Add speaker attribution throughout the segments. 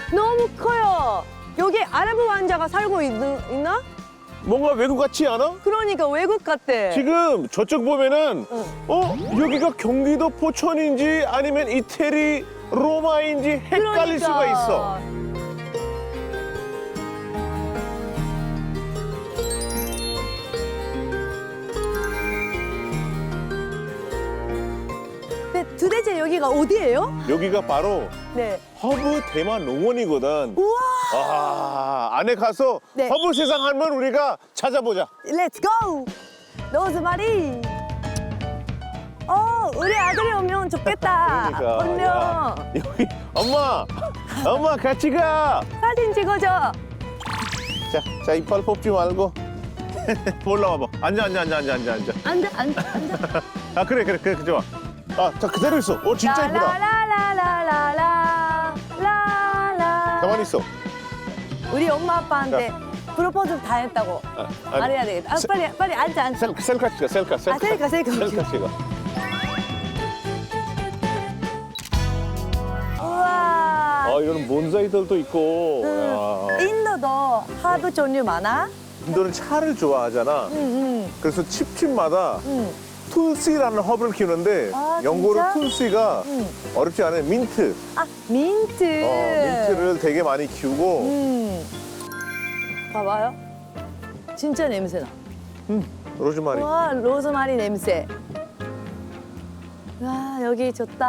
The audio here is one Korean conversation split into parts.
Speaker 1: 너무 커요. 여기 아랍 왕자가 살고 있나?
Speaker 2: 뭔가 외국 같지 않아?
Speaker 1: 그러니까 외국 같대.
Speaker 2: 지금 저쪽 보면은 여기가 경기도 포천인지 아니면 이태리 로마인지 헷갈릴
Speaker 1: 그러니까.
Speaker 2: 수가 있어.
Speaker 1: 근데 도대체 여기가 어디예요?
Speaker 2: 여기가 바로
Speaker 1: 네.
Speaker 2: 허브 대만 농원이거든.
Speaker 1: 우와.
Speaker 2: 아, 안에 가서
Speaker 1: 네.
Speaker 2: 허브 세상 하면 우리가 찾아보자.
Speaker 1: 렛츠 고! 로즈마리. 우리 아들이 오면 좋겠다.
Speaker 2: 그러니까.
Speaker 1: 오면
Speaker 2: 야, 여기 엄마 같이 가.
Speaker 1: 사진 찍어줘.
Speaker 2: 자 이빨 뽑지 말고 올라와봐. 앉아.
Speaker 1: 앉아.
Speaker 2: 아 그래 좋아. 자 그대로 있어. 진짜 이쁘다.
Speaker 1: 라라라라라라라라.
Speaker 2: 가만히 있어.
Speaker 1: 우리 엄마 아빠한테 프로포즈 다 했다고 말해야 되겠다. 빨리 앉아.
Speaker 2: 셀카 찍어. 셀카.
Speaker 1: 셀카.
Speaker 2: 셀카 찍어.
Speaker 1: 우와.
Speaker 2: 이런 몬사이들도 있고. 야.
Speaker 1: 인도도 하브 종류 많아?
Speaker 2: 인도는 차를 좋아하잖아.
Speaker 1: 응.
Speaker 2: 그래서 칩마다 툴시라는 허브를 키우는데
Speaker 1: 아,
Speaker 2: 영어로
Speaker 1: 진짜?
Speaker 2: 툴시가
Speaker 1: 응.
Speaker 2: 어렵지 않은 민트.
Speaker 1: 민트.
Speaker 2: 민트를 되게 많이 키우고
Speaker 1: 봐봐요. 진짜 냄새나.
Speaker 2: 로즈마리.
Speaker 1: 와, 로즈마리 냄새. 와, 여기 좋다.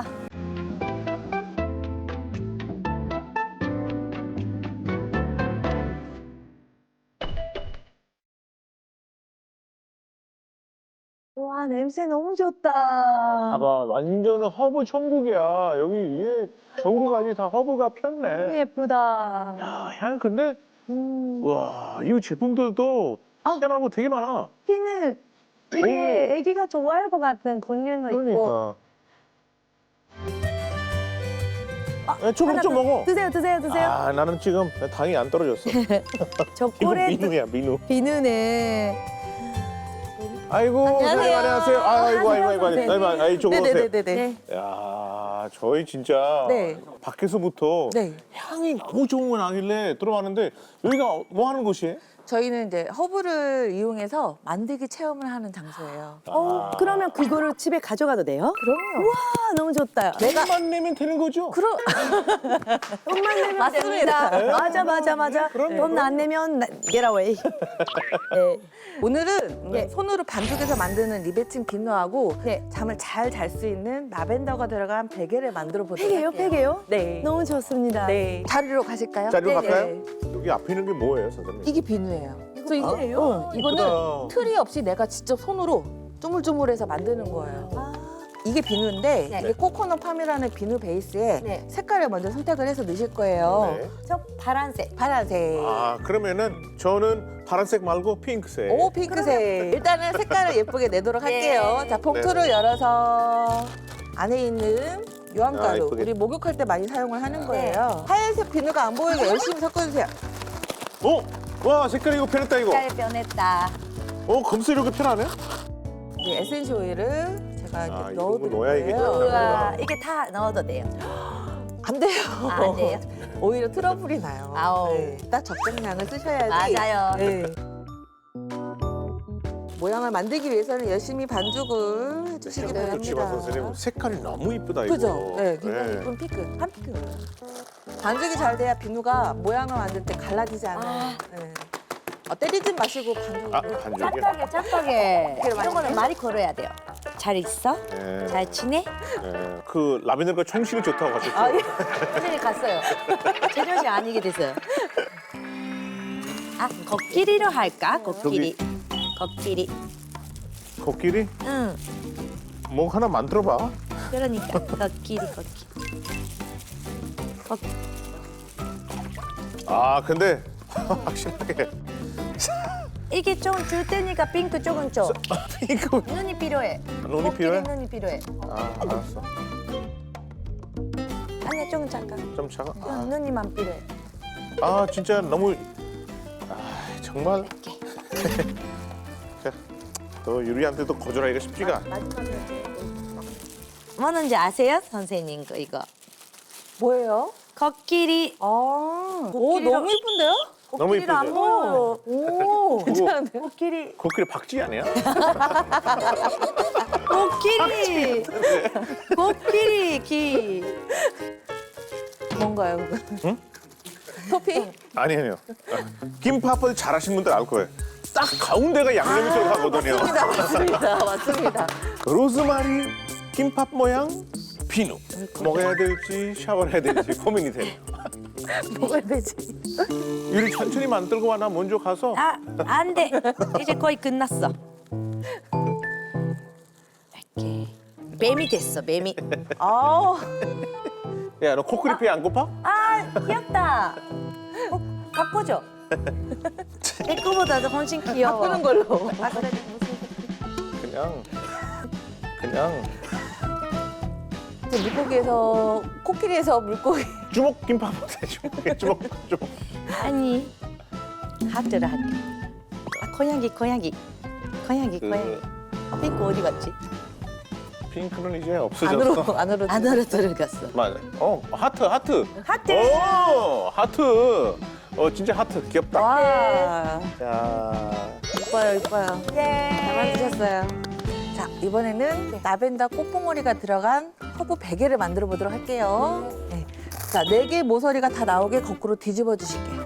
Speaker 1: 와, 냄새 너무 좋다.
Speaker 2: 봐봐, 완전 허브 천국이야. 여기 위에 전국 아니 다 허브가 폈네.
Speaker 1: 예쁘다.
Speaker 2: 야, 향 근데 와, 이 제품들도 희한하고 되게 많아.
Speaker 1: 피는 되게 애기가 좋아할 것 같은 종류도 있고.
Speaker 2: 그러니까. 조금
Speaker 1: 하나
Speaker 2: 좀
Speaker 1: 더.
Speaker 2: 먹어.
Speaker 1: 드세요.
Speaker 2: 아, 나는 지금 당이 안 떨어졌어. 이거
Speaker 1: 초콜릿
Speaker 2: 민우야, 민우.
Speaker 1: 비누네.
Speaker 2: 아이고,
Speaker 1: 안녕하세요.
Speaker 2: 아이고, 이쪽으로 오세요.
Speaker 3: 네네네네.
Speaker 2: 야, 저희 진짜
Speaker 3: 네.
Speaker 2: 밖에서부터
Speaker 3: 네.
Speaker 2: 향이 너무 좋은 건 아길래 들어왔는데 여기가 뭐 하는 곳이에요?
Speaker 3: 저희는 이제 허브를 이용해서 만들기 체험을 하는 장소예요.
Speaker 1: 그러면 그거를 집에 가져가도 돼요?
Speaker 3: 그럼요.
Speaker 1: 와, 너무 좋다.
Speaker 2: 돈만 내면 되는 거죠?
Speaker 1: 돈만 내면
Speaker 3: 맞습니다.
Speaker 1: 됩니다. 맞아. 돈 안 내면 get away. 네.
Speaker 3: 오늘은 손으로 반죽해서 만드는 리베친 비누하고
Speaker 1: 네.
Speaker 3: 잠을 잘 잘 수 있는 라벤더가 들어간 베개를 만들어 보도록 할게요.
Speaker 1: 베개요?
Speaker 3: 네.
Speaker 1: 너무 좋습니다.
Speaker 3: 네. 자리로 가실까요?
Speaker 2: 자리로
Speaker 3: 네,
Speaker 2: 갈까요?
Speaker 3: 네.
Speaker 2: 여기 앞에 있는 게 뭐예요, 선생님?
Speaker 3: 이게 비누예요. 그래서
Speaker 1: 비누예요?
Speaker 3: 이거는
Speaker 2: 이쁘다.
Speaker 3: 틀이 없이 내가 직접 손으로 쪼물쪼물해서 만드는 거예요. 이게 비누인데
Speaker 1: 네.
Speaker 3: 이게 코코넛 팜이라는 비누 베이스에
Speaker 1: 네.
Speaker 3: 색깔을 먼저 선택을 해서 넣으실 거예요.
Speaker 2: 네.
Speaker 1: 저 파란색.
Speaker 3: 파란색.
Speaker 2: 그러면은 저는 파란색 말고 핑크색.
Speaker 3: 오 핑크색. 일단은 색깔을 예쁘게 내도록 할게요. 자 봉투를
Speaker 2: 네.
Speaker 3: 열어서 안에 있는 유황가루
Speaker 2: 예쁘게.
Speaker 3: 우리 목욕할 때 많이 사용을 하는 거예요. 하얀색 비누가 안 보이게 열심히 섞어주세요.
Speaker 2: 와, 색깔 이거 편했다, 이거.
Speaker 1: 색깔 변했다.
Speaker 2: 검수 이렇게 편하네?
Speaker 3: 이제 에센셜 오일을 제가 이렇게
Speaker 2: 이거
Speaker 3: 넣어드릴
Speaker 2: 넣어야 이게
Speaker 3: 거예요.
Speaker 2: 좀
Speaker 1: 우와, 이게 다 넣어도 돼요.
Speaker 3: 안 돼요.
Speaker 1: 안 돼요?
Speaker 3: 오히려 트러블이 나요.
Speaker 1: 아우.
Speaker 3: 네, 딱 적정량을 쓰셔야지.
Speaker 1: 맞아요.
Speaker 3: 네. 모양을 만들기 위해서는 열심히 반죽을 해주시기
Speaker 2: 그렇지만
Speaker 3: 바랍니다.
Speaker 2: 선생님 색깔이 너무 이쁘다, 이거.
Speaker 3: 그죠? 네, 굉장히 예쁜 핑크, 한 핑크. 반죽이 잘 돼야 비누가 모양을 만들 때 갈라지지 않아요. 네. 때리지 마시고 반죽을.
Speaker 2: 반죽이야?
Speaker 1: 짝짝해. 이런 거는 많이 걸어야 돼요. 잘 있어?
Speaker 2: 네.
Speaker 1: 잘 지내?
Speaker 2: 네. 그 라벤더가 청실이 좋다고 하셨죠?
Speaker 1: 사진이 갔어요. 제정신 아니게 됐어요. 코끼리로 할까? 코끼리.
Speaker 2: 코끼리?
Speaker 1: 응.
Speaker 2: 뭐 하나 만들어봐.
Speaker 1: 그러니까 코끼리.
Speaker 2: 근데 확실하게
Speaker 1: 이게 좀 줄 테니까 핑크 조금 줘.
Speaker 2: 핑크
Speaker 1: 눈이 필요해.
Speaker 2: 눈이
Speaker 1: 코끼리
Speaker 2: 필요해?
Speaker 1: 눈이 필요해.
Speaker 2: 알았어.
Speaker 1: 아니야, 조금 잠깐.
Speaker 2: 좀 작아.
Speaker 1: 눈이만 필요해.
Speaker 2: 진짜 너무 정말 또 유리한테도 거절하기가 쉽지가 않아.
Speaker 1: 뭐는지 아세요, 선생님? 이거.
Speaker 3: 뭐예요?
Speaker 1: 코끼리.
Speaker 3: 오,
Speaker 1: 코끼리로-
Speaker 3: 너무 예쁜데요?
Speaker 2: 너무
Speaker 1: 코끼리를 안
Speaker 2: 이쁘죠?
Speaker 1: 보여요.
Speaker 3: 오, 괜찮은데?
Speaker 1: 코끼리.
Speaker 2: 코끼리 박쥐 아니야?
Speaker 1: 코끼리. 코끼리 기.
Speaker 3: 뭔가요, 그거?
Speaker 2: 응?
Speaker 3: 토핑?
Speaker 2: 아니에요. 김밥을 잘하신 분들 알 거예요. 딱 가운데가 양념이 들어가거든요.
Speaker 3: 맞습니다. 맞습니다.
Speaker 2: 로즈마리 김밥 모양 비누. 먹어야 될지 샤워를 해야 될지 고민이 돼요.
Speaker 3: 먹어야 되지.
Speaker 2: 유리 천천히 만들고 와. 나 먼저 가서.
Speaker 1: 아, 안 돼. 이제 거의 끝났어. 이렇게. 뱀이 됐어, 뱀이.
Speaker 3: 아,
Speaker 2: 야, 너 코끼리 안 고파?
Speaker 1: 아, 귀엽다. 바꾸죠. 내 거보다도 훨씬 귀여워.
Speaker 3: 바꾸는 걸로.
Speaker 1: 아, 그래.
Speaker 2: 그냥
Speaker 3: 물고기에서, 코끼리에서 물고기.
Speaker 2: 주먹 김밥 어때? 주먹.
Speaker 1: 아니, 하트를 할게. 아, 고양이.
Speaker 2: 그
Speaker 1: 핑크 어디 갔지?
Speaker 2: 핑크는 이제 없어졌어.
Speaker 3: 안으로.
Speaker 1: 안으로 들어갔어.
Speaker 2: 맞아. 하트.
Speaker 1: 하트.
Speaker 2: 하트. 진짜 하트 귀엽다.
Speaker 3: 와,
Speaker 2: 자,
Speaker 3: 이뻐요. 잘 만드셨어요. 자, 이번에는 라벤더 꽃봉오리가 들어간 허브 베개를 만들어 보도록 할게요. 네. 자, 4개 모서리가 다 나오게 거꾸로 뒤집어 주실게요.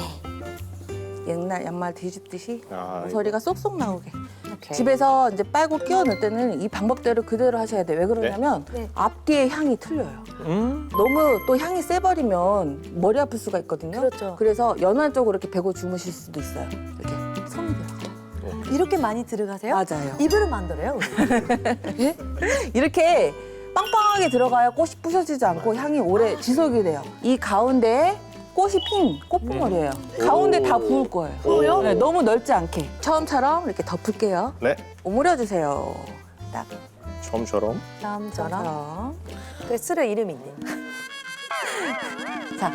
Speaker 3: 옛날 양말 뒤집듯이 모서리가 쏙쏙 나오게. 집에서 이제 빨고 끼워 넣을 때는 이 방법대로 그대로 하셔야 돼요. 왜 그러냐면
Speaker 1: 네.
Speaker 3: 앞뒤의 향이 틀려요. 너무 또 향이 세버리면 머리 아플 수가 있거든요.
Speaker 1: 그렇죠.
Speaker 3: 그래서 연한 쪽으로 이렇게 베고 주무실 수도 있어요. 이렇게 성이 들어가요.
Speaker 1: 이렇게 많이 들어가세요?
Speaker 3: 맞아요.
Speaker 1: 이불을 만들어요, 우리.
Speaker 3: 이렇게 빵빵하게 들어가야 꽃이 부서지지 않고 향이 오래 지속이 돼요. 이 가운데에 꽃이 핀 꽃봉오리예요. 가운데 다 부을 거예요.
Speaker 1: 부어요?
Speaker 3: 네, 너무 넓지 않게. 처음처럼 이렇게 덮을게요.
Speaker 2: 네.
Speaker 3: 오므려 주세요. 딱
Speaker 2: 처음처럼.
Speaker 1: 처음처럼.
Speaker 3: 저처럼.
Speaker 1: 그 술에 이름이 있네.
Speaker 3: 자,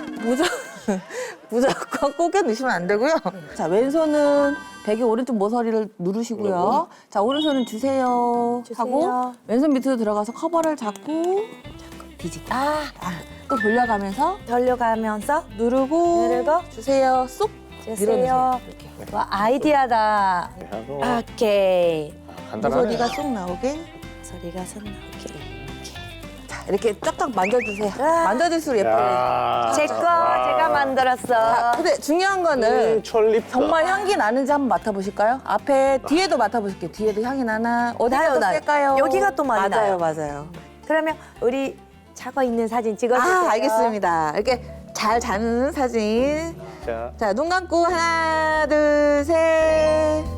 Speaker 3: 무조건 꼬겨 넣으시면 안 되고요. 자, 왼손은 베개 오른쪽 모서리를 누르시고요. 자, 오른손은 주세요. 하고 왼손 밑으로 들어가서 커버를 잡고 뒤집기. 또 돌려가면서
Speaker 1: 돌려가면서
Speaker 3: 누르고 주세요. 쏙
Speaker 1: 주세요.
Speaker 3: 밀어넣으세요. 이렇게.
Speaker 1: 와, 아이디어다.
Speaker 2: 하고
Speaker 1: 오케이.
Speaker 2: 간단하네.
Speaker 3: 모서리가 쏙 나오게.
Speaker 1: 소리가 손 나오게.
Speaker 3: 자, 이렇게 쫙쫙 만져주세요.
Speaker 1: 아.
Speaker 3: 만져줄수록 예뻐요.
Speaker 2: 야.
Speaker 1: 제 거 제가 만들었어.
Speaker 3: 자, 근데 중요한 거는
Speaker 2: 철립.
Speaker 3: 정말 향기 나는지 한번 맡아보실까요? 앞에 뒤에도 맡아보실게요. 뒤에도 향이 나나? 어디가
Speaker 1: 나요,
Speaker 3: 더
Speaker 1: 나요.
Speaker 3: 셀까요?
Speaker 1: 여기가 또 많이 나요.
Speaker 3: 맞아요.
Speaker 1: 그러면 우리 자고 있는 사진 찍어주세요.
Speaker 3: 알겠습니다. 이렇게 잘 자는 사진.
Speaker 2: 자.
Speaker 3: 자, 눈 감고 하나, 둘, 셋.